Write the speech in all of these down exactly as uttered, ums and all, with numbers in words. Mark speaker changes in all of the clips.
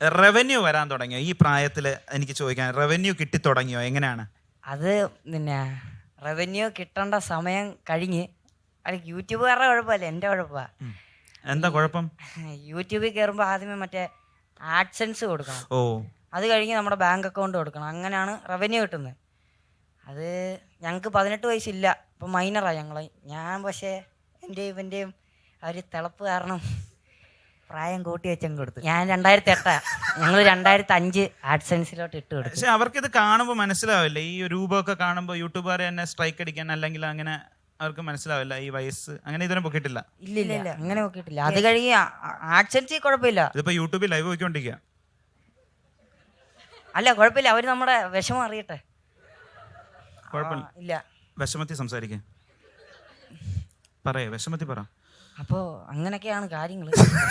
Speaker 1: Revenue വരാൻ തുടങ്ങിയോ ഈ പ്രായത്തിൽ? എനിക്ക് ചോദിക്കാൻ, റവന്യൂ കിട്ടി തുടങ്ങിയോ? എങ്ങനെയാണ്
Speaker 2: അത്? പിന്നെ റവന്യൂ കിട്ടേണ്ട സമയം കഴിഞ്ഞ്. അത് യൂട്യൂബുകാരുടെ കുഴപ്പമല്ല, എൻ്റെ കുഴപ്പമാണ്.
Speaker 1: എന്താ കുഴപ്പം?
Speaker 2: യൂട്യൂബിൽ കയറുമ്പോൾ ആദ്യമേ മറ്റേ ആഡ്സെൻസ് കൊടുക്കണം.
Speaker 1: ഓ, അത്
Speaker 2: കഴിഞ്ഞ് നമ്മുടെ ബാങ്ക് അക്കൗണ്ട് കൊടുക്കണം. അങ്ങനെയാണ് റവന്യൂ കിട്ടുന്നത്. അത് ഞങ്ങൾക്ക് പതിനെട്ട് വയസ്സില്ല, ഇപ്പം മൈനറാണ് ഞങ്ങൾ. ഞാൻ പക്ഷേ എൻ്റെയും ഇവൻ്റെയും ആ ഒരു തിളപ്പ് കാരണം പ്രായം കൂട്ടി വെച്ചങ്ങ് കൊടുത്തു. ഞാൻ രണ്ടായിരത്തി എട്ടാ ഞങ്ങൾ രണ്ടായിരത്തി അഞ്ച് ആഡ്സെൻസിലോട്ട് ഇട്ട് കൊടുത്തു.
Speaker 1: പക്ഷെ അവർക്ക് ഇത് കാണുമ്പോൾ മനസ്സിലാവില്ല, ഈ രൂപമൊക്കെ കാണുമ്പോൾ യൂട്യൂബുകാരെ തന്നെ സ്ട്രൈക്ക് അടിക്കാൻ അല്ലെങ്കിൽ അങ്ങനെ അവർക്ക് മനസ്സിലാവില്ല ഈ വയസ്സ്. അങ്ങനെ ഇതിനെ പൊക്കിയിട്ടില്ല.
Speaker 2: ഇല്ല ഇല്ല അങ്ങനെ പൊക്കിയിട്ടില്ല. അത് കഴിഞ്ഞ് ആഡ്സെൻസ് കുഴപ്പമില്ല.
Speaker 1: ഇതിപ്പോ യൂട്യൂബിൽ ലൈവ് പോയിക്കൊണ്ടിരിക്കുക.
Speaker 2: അല്ല കുഴപ്പമില്ല, അവർ നമ്മുടെ വിഷമം അറിയട്ടെ.
Speaker 1: കുഴപ്പമില്ല.
Speaker 2: ഇല്ല,
Speaker 1: വിഷമത്തിൽ സംസാരിക്കേ, പറയേ വിഷമത്തിൽ പറ.
Speaker 2: അപ്പോ അങ്ങനെയൊക്കെയാണ് കാര്യങ്ങൾ.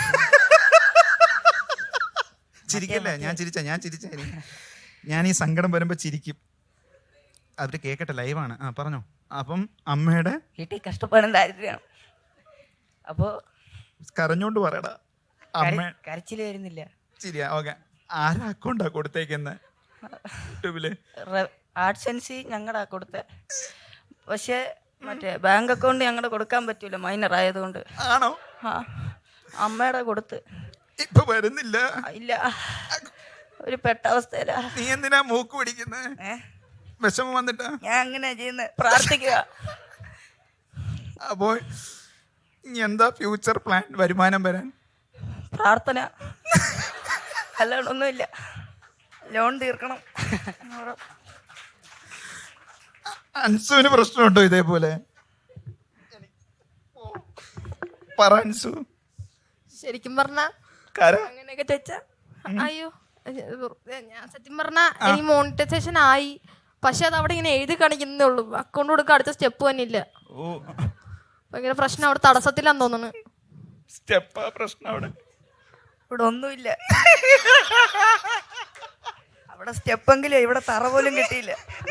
Speaker 1: ചിരിക്കല്ലേ? ഞാൻ ചിരിച്ച ഞാൻ ചിരിച്ച ഞാൻ ഈ സങ്കടം വരുമ്പോ ചിരിക്കും. അവര് കേക്കട്ടെ, ലൈവാണ്. ആ പറഞ്ഞോ. അപ്പം അമ്മയുടെ
Speaker 2: വീട്ടിൽ കഷ്ടപ്പാടും ദാരിദ്ര്യമാണ്. അപ്പോ
Speaker 1: കരഞ്ഞോണ്ട് പറയടാ. അമ്മ
Speaker 2: കരച്ചില് വരുന്നില്ല.
Speaker 1: ശരിയാ, ഓക്കെ. ആരാ അക്കൗണ്ടാ കൊടുത്തേക്കുന്നത് യൂട്യൂബില്?
Speaker 2: ആഡ്സെൻസ് ഞങ്ങളുടെ കൊടുത്ത, പക്ഷെ മറ്റേ ബാങ്ക് അക്കൗണ്ട് ഞങ്ങളുടെ കൊടുക്കാൻ പറ്റൂല, മൈനർ ആയതുകൊണ്ട്.
Speaker 1: ആണോ?
Speaker 2: ആ, അമ്മയുടെ കൊടുത്ത്.
Speaker 1: ഇപ്പൊ വരുന്നില്ല.
Speaker 2: ഇല്ല, ഒരു പെട്ട അവസ്ഥയിലാ.
Speaker 1: നീ എന്തിനാ മൂക്ക് പിടിക്കുന്നത്? വിഷമം വന്നിട്ടാ?
Speaker 2: ഞാൻ അങ്ങനെ ചെയ്യുന്നത്, പ്രാർത്ഥിക്കുക.
Speaker 1: അപ്പോ ഇനി എന്താ ഫ്യൂച്ചർ പ്ലാൻ? വരുമാനം വരാൻ
Speaker 2: പ്രാർത്ഥന, അല്ലാണ്ട് ഒന്നുമില്ല. ലോൺ തീർക്കണം.
Speaker 1: അൻസുവിന് പ്രശ്നമുണ്ടോ ഇതേപോലെ? പറ അൻസു.
Speaker 3: ശരിക്കും പറഞ്ഞ അങ്ങനെയൊക്കെ ചോദിച്ചാ, അയ്യോ ഞാൻ സത്യം പറഞ്ഞ എനിക്ക് മോണിറ്റൈസേഷൻ ആയി, പക്ഷെ അത് അവിടെ ഇങ്ങനെ എഴുതി കാണിക്കുന്നേ ഉള്ളൂ. അക്കൗണ്ട് കൊടുക്കാൻ അടുത്ത സ്റ്റെപ്പ് തന്നെ ഇല്ല. ഭയങ്കര പ്രശ്നം അവിടെ, തടസ്സത്തിലാന്ന് തോന്നുന്നു.
Speaker 1: സ്റ്റെപ്പാ പ്രശ്നം അവിടെ?
Speaker 2: ഇവിടെ ഒന്നുമില്ല. അവിടെ സ്റ്റെപ്പെങ്കിലും, ഇവിടെ തറ പോലും കിട്ടിയില്ല.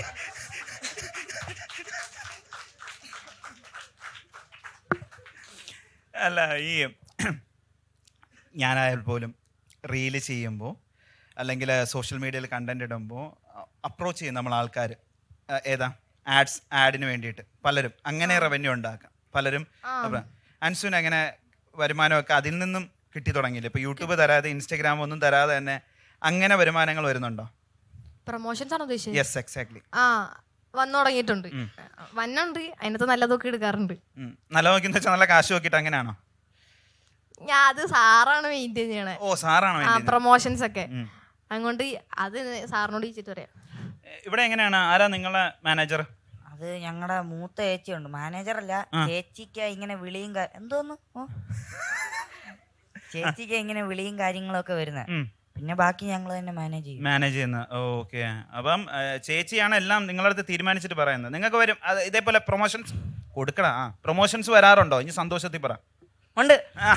Speaker 1: അല്ല, ഈ ഞാനായാൽ പോലും റീല് ചെയ്യുമ്പോൾ അല്ലെങ്കിൽ സോഷ്യൽ മീഡിയയിൽ കണ്ടന്റ് ഇടുമ്പോൾ അപ്രോച്ച് ചെയ്യും നമ്മൾ ആൾക്കാർ. ഏതാ ആഡ്സ്, ആഡിന് വേണ്ടിയിട്ട് പലരും അങ്ങനെ റവന്യൂ ഉണ്ടാക്കാം. പലരും അൻസുവിന് അങ്ങനെ വരുമാനമൊക്കെ അതിൽ നിന്നും കിട്ടി തുടങ്ങിയില്ല? ഇപ്പൊ യൂട്യൂബ് തരാതെ, ഇൻസ്റ്റാഗ്രാം ഒന്നും തരാതെ തന്നെ അങ്ങനെ വരുമാനങ്ങൾ വരുന്നുണ്ടോ?
Speaker 3: പ്രൊമോഷൻസ് ആണോ ഉദ്ദേശിച്ചത്?
Speaker 1: Yes, exactly.
Speaker 3: ആ, വന്നു തുടങ്ങിയിട്ടുണ്ട്. വന്നുണ്ട്, അതിനകത്ത് നല്ലതൊക്കെ എടുക്കാറുണ്ട്.
Speaker 1: നല്ല നോക്കിന്ന് വെച്ചാൽ നല്ല കാശ് നോക്കിയിട്ട് അങ്ങനെയാണോ?
Speaker 3: ഞാൻ അത് സാറാണ് മെയിൻറ്റെയിൻ ചെയ്യണേ.
Speaker 1: ഓ, സാറാണ്
Speaker 3: പ്രൊമോഷൻസ് ഒക്കെ. അതുകൊണ്ട് അത് സാറിനോട് ചോദിച്ചിട്ട് പറയാം.
Speaker 1: ഇവിടെ എങ്ങനെയാണ്? ആരാ നിങ്ങളെ മാനേജർ?
Speaker 2: അത് ഞങ്ങളുടെ മൂത്ത ചേച്ചിയുണ്ട്, മാനേജർ അല്ല. ചേച്ചിക്ക് ഇങ്ങനെ വിളിയും എന്തോന്നു ചേച്ചിക്ക് ഇങ്ങനെ വിളിയും കാര്യങ്ങളൊക്കെ വരുന്നത്. പിന്നെ ബാക്കി ഞങ്ങൾ തന്നെ മാനേജ് ചെയ്യും.
Speaker 1: മാനേജ് ചെയ്യുന്ന. ഓക്കെ. അപ്പം ചേച്ചിയാണ് എല്ലാം നിങ്ങളുടെ അടുത്ത് തീരുമാനിച്ചിട്ട് പറയുന്നത്. നിങ്ങൾക്ക് വരും അത് ഇതേപോലെ പ്രൊമോഷൻസ് കൊടുക്കടാ. ആ, പ്രൊമോഷൻസ് വരാറുണ്ടോ? ഇനി സന്തോഷത്തിൽ പറ.
Speaker 2: ഉണ്ട്.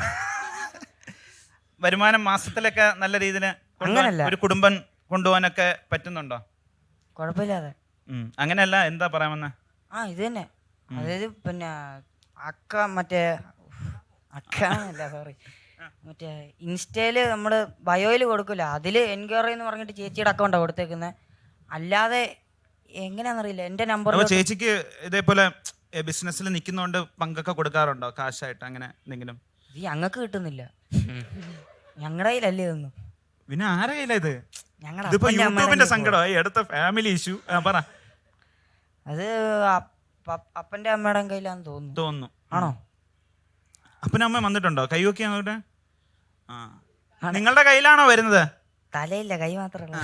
Speaker 1: വരുമാനം മാസത്തിലൊക്കെ നല്ല രീതിയിൽ ഒരു കുടുംബം കൊണ്ടുപോകാനൊക്കെ പറ്റുന്നുണ്ടോ?
Speaker 2: കുഴപ്പമില്ലാതെ.
Speaker 1: അങ്ങനെയല്ല, എന്താ പറയാമെന്ന്?
Speaker 2: ആ, ഇത് തന്നെ. അതായത് പിന്നെ അക്ക മറ്റേ അക്ക അല്ല സോറി മറ്റേ ഇൻസ്റ്റയില് നമ്മള് ബയോയില് കൊടുക്കില്ല, അതില് എൻക്വയറി എന്ന് പറഞ്ഞിട്ട് ചേച്ചിയുടെ അക്കൗണ്ടാണ് കൊടുത്തേക്കുന്നത്. അല്ലാതെ എങ്ങനെയാണെന്നറിയില്ല, എന്റെ നമ്പർ.
Speaker 1: ചേച്ചിക്ക് ഇതേപോലെ ബിസിനസ്സിൽ നിൽക്കുന്നോണ്ട് പങ്കൊക്കെ കൊടുക്കാറുണ്ടോ കാശായിട്ട്? അങ്ങനെ എന്തെങ്കിലും?
Speaker 2: ഈ ഞങ്ങൾക്ക് കിട്ടുന്നില്ല, ഞങ്ങളുടെ കയ്യിലല്ലേ ഇതൊന്നും.
Speaker 1: പിന്നെ ആരുടെ കയ്യില ഇത്?
Speaker 2: ഞങ്ങളുടെ
Speaker 1: യൂട്യൂബിന്റെ സങ്കടമായി, അടുത്ത ഫാമിലി ഇഷ്യൂ. പറ.
Speaker 2: അത് അപ്പന്റെ അമ്മയുടെ കയ്യിലാന്ന് തോന്നുന്നു.
Speaker 1: തോന്നുന്നു.
Speaker 2: ആണോ?
Speaker 1: അപ്പനും അമ്മ വന്നിട്ടുണ്ടോ? കൈ നോക്കിയാ നോട്ടെ. ആ, നിങ്ങളുടെ കയ്യിലാണോ വരുന്നത്?
Speaker 2: തലയില്ല, കൈ മാത്രമല്ല.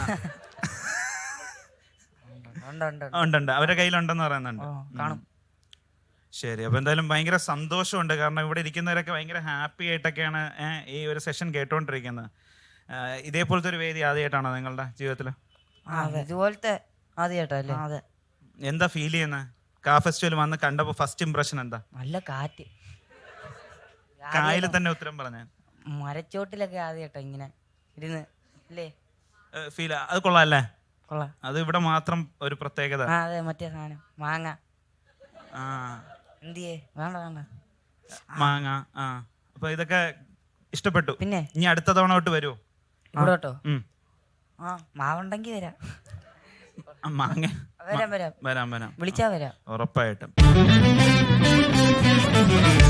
Speaker 1: ഉണ്ടുണ്ട്, അവരുടെ കയ്യിലുണ്ടെന്ന് പറയുന്നുണ്ട്.
Speaker 2: കാണും.
Speaker 1: ശരി. അപ്പൊ എന്തായാലും ഭയങ്കര സന്തോഷമുണ്ട്, കാരണം ഇവിടെ ഇരിക്കുന്നവരൊക്കെ ഭയങ്കര ഹാപ്പി ആയിട്ടൊക്കെയാണ് ഈ ഒരു സെഷൻ കേട്ടോണ്ടിരിക്കുന്നത്. ഇതേപോലത്തെ ഒരു വേദി ആദ്യമായിട്ടാണോ നിങ്ങളുടെ ജീവിതത്തില്?
Speaker 2: ഇതുപോലത്തെ ആദ്യമായിട്ടല്ലേ? അതെ.
Speaker 1: എന്താ ഫീൽ ചെയ്യുന്നത്? കാ ഫെസ്റ്റിവൽ വന്ന് കണ്ടപ്പോ ഫസ്റ്റ് ഇംപ്രഷൻ എന്താ?
Speaker 2: നല്ല കാറ്റ്.
Speaker 1: കായല് തന്നെ ഉത്തരം പറഞ്ഞ
Speaker 2: മരച്ചോട്ടിലൊക്കെ ആദ്യമായിട്ടാ ഇങ്ങനെ ഇരുന്ന് അല്ലേ
Speaker 1: ഫീൽ. അത് കൊള്ളാം അല്ലേ?
Speaker 2: കൊള്ളാം.
Speaker 1: അത് ഇവിടെ മാത്രം ഒരു പ്രത്യേകത.
Speaker 2: അതെ, മറ്റേ സാധനം മാങ്ങ.
Speaker 1: ആ,
Speaker 2: എന്തിയേ? വേണ്ട വേണ്ട
Speaker 1: മാങ്ങ. ആ, അപ്പൊ ഇതൊക്കെ ഇഷ്ടപ്പെട്ടു.
Speaker 2: പിന്നെ
Speaker 1: ഇനി അടുത്ത തവണ തൊട്ട് വരുമോ?
Speaker 2: ഇവിടോട്ടോ
Speaker 1: ഉം.
Speaker 2: ആ മാവുണ്ടെങ്കിൽ വരാം
Speaker 1: ആ, മാങ്ങ
Speaker 2: വരാം വരാം
Speaker 1: വരാം വരാം
Speaker 2: വിളിച്ചാ വരാം
Speaker 1: ഉറപ്പായിട്ടും.